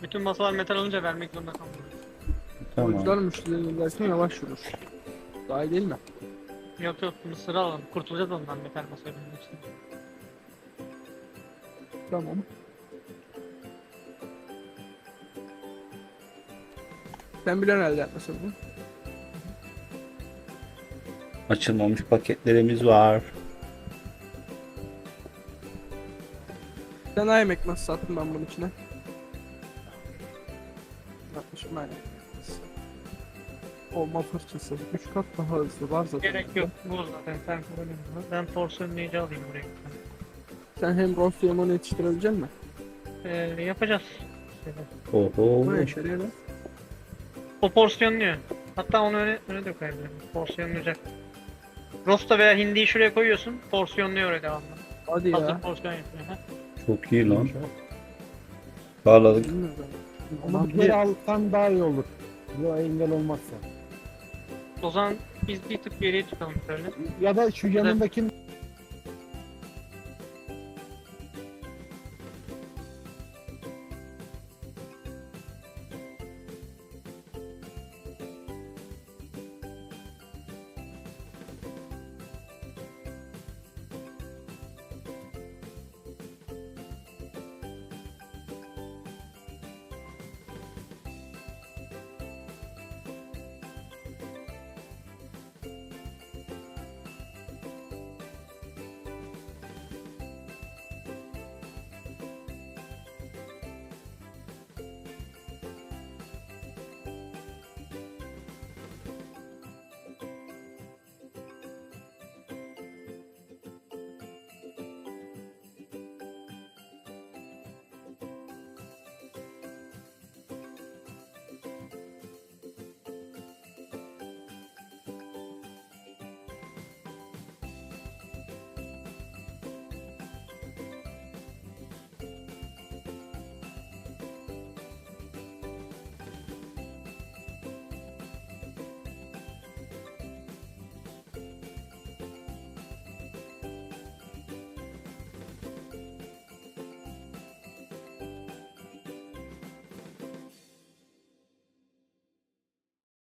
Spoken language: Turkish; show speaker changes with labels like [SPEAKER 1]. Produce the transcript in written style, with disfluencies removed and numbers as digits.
[SPEAKER 1] Bütün masalar metal olunca vermek zorunda kaldım.
[SPEAKER 2] Oyuncular
[SPEAKER 3] Tamam.
[SPEAKER 2] müşterilerini derken yavaş yürür. Daha iyi değil mi?
[SPEAKER 1] Yok yok mısırı alalım. Kurtulacağız ondan metal masaya binmek için.
[SPEAKER 2] Tamam. Sen bilen elde etmesin bu.
[SPEAKER 3] Açılmamış paketlerimiz var.
[SPEAKER 2] Sen ay yemek nasıl sattın ben bunun içine? Yapmışım aynen. Olma fırçası. 3 kat daha hızlı var zaten.
[SPEAKER 1] Gerek yok. Bu zaten sen kullanın bunu. Ben porsiyonlayıcı alayım buraya.
[SPEAKER 2] Sen hem roast hem onu yetiştirebilecek misin?
[SPEAKER 1] Yapacağız.
[SPEAKER 3] Oho.
[SPEAKER 2] Bu ne işe yarıyor lan?
[SPEAKER 1] O porsiyonluyor. Hatta onu öne de koyabilirim. Porsiyonlayacak. Rosta veya hindiyi şuraya koyuyorsun. Porsiyonluyor öyle devamlı.
[SPEAKER 2] Hadi
[SPEAKER 1] Hazır
[SPEAKER 2] ya.
[SPEAKER 1] porsiyon yapıyor. Ha?
[SPEAKER 3] Çok iyi lan. Sağladık.
[SPEAKER 2] Bilmiyorum.
[SPEAKER 4] Ama bir alsan daha iyi olur. Bu engel olmazsa.
[SPEAKER 1] O zaman biz bir tık geriye çıkalım şöyle.
[SPEAKER 4] Ya da şu yanındaki